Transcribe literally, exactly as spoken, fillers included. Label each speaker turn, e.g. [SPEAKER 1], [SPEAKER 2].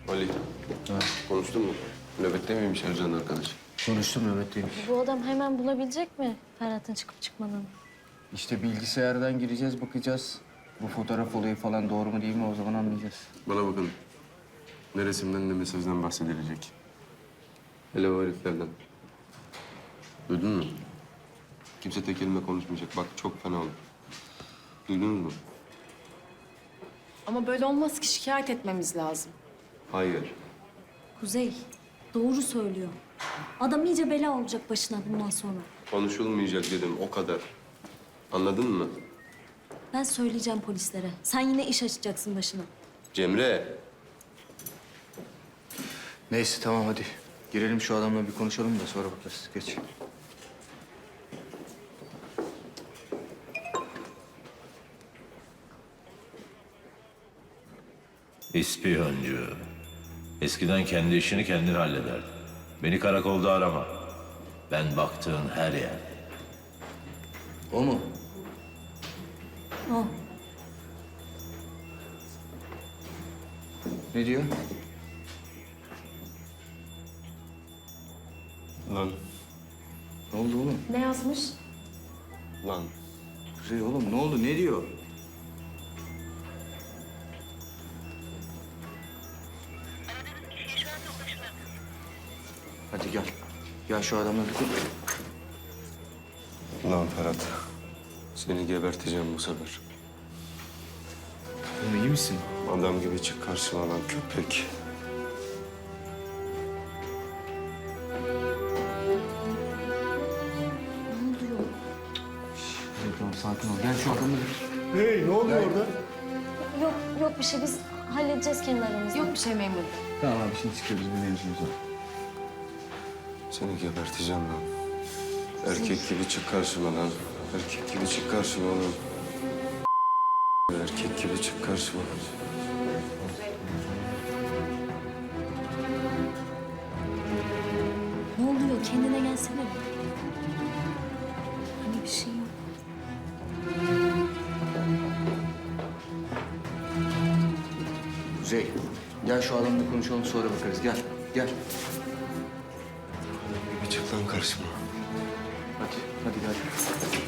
[SPEAKER 1] Ali,
[SPEAKER 2] Ha.
[SPEAKER 1] konuştun mu? Nöbette miymiş Ercan arkadaş?
[SPEAKER 2] Konuştum, nöbetteymiş.
[SPEAKER 3] Bu adam hemen bulabilecek mi Ferhat'ın çıkıp çıkmadığını?
[SPEAKER 2] İşte bilgisayardan gireceğiz, bakacağız. Bu fotoğraf olayı falan doğru mu değil mi o zaman anlayacağız.
[SPEAKER 1] Bana bakın. Ne resimden ne mesajdan bahsedilecek. Hele o heriflerden. Duydun mu? Kimse tek kelime konuşmayacak. Bak çok fena olur. Duydunuz mu?
[SPEAKER 4] Ama böyle olmaz ki, şikayet etmemiz lazım.
[SPEAKER 1] Hayır.
[SPEAKER 3] Kuzey, doğru söylüyor. Adam iyice bela olacak başına bundan sonra.
[SPEAKER 1] Konuşulmayacak dedim o kadar. Anladın mı?
[SPEAKER 3] Ben söyleyeceğim polislere. Sen yine iş açacaksın başına.
[SPEAKER 1] Cemre.
[SPEAKER 2] Neyse tamam hadi. Girelim şu adamla bir konuşalım da sonra bakarız. Geç.
[SPEAKER 5] İspiyoncu. Eskiden kendi işini kendin hallederdin. Beni karakolda arama. Ben baktığın her yer.
[SPEAKER 2] O mu?
[SPEAKER 3] O.
[SPEAKER 2] Ne diyor?
[SPEAKER 1] Lan.
[SPEAKER 2] Ne oldu oğlum?
[SPEAKER 4] Ne yazmış?
[SPEAKER 1] Lan.
[SPEAKER 2] Kuzey oğlum ne oldu? Ne diyor? Hadi gel. Gel şu adamla bir konuş.
[SPEAKER 1] Lan Ferhat. Seni geberteceğim bu sefer.
[SPEAKER 2] Oğlum iyi misin?
[SPEAKER 1] Adam gibi çık karşıma lan köpek.
[SPEAKER 3] Ne oluyor?
[SPEAKER 2] Hadi tamam sakin ol. Gel şu adamla bir...
[SPEAKER 6] Hey, ne oluyor orada?
[SPEAKER 3] Yok, yok bir şey. Biz halledeceğiz kendi aramızda.
[SPEAKER 4] Yok bir şey memur.
[SPEAKER 2] Tamam abi şimdi çıkıyoruz bir mevzumuz var.
[SPEAKER 1] Seni geberteceğim lan. Erkek gibi çık karşıma lan. Erkek gibi çık karşıma lan. Erkek gibi çık karşıma.
[SPEAKER 3] Ne oluyor? Kendine gelsene. Hani bir şey yok.
[SPEAKER 2] Kuzey gel şu adamla konuşalım sonra bakarız. Gel gel.
[SPEAKER 1] Bir çık lan karşıma.
[SPEAKER 2] Hadi hadi gel.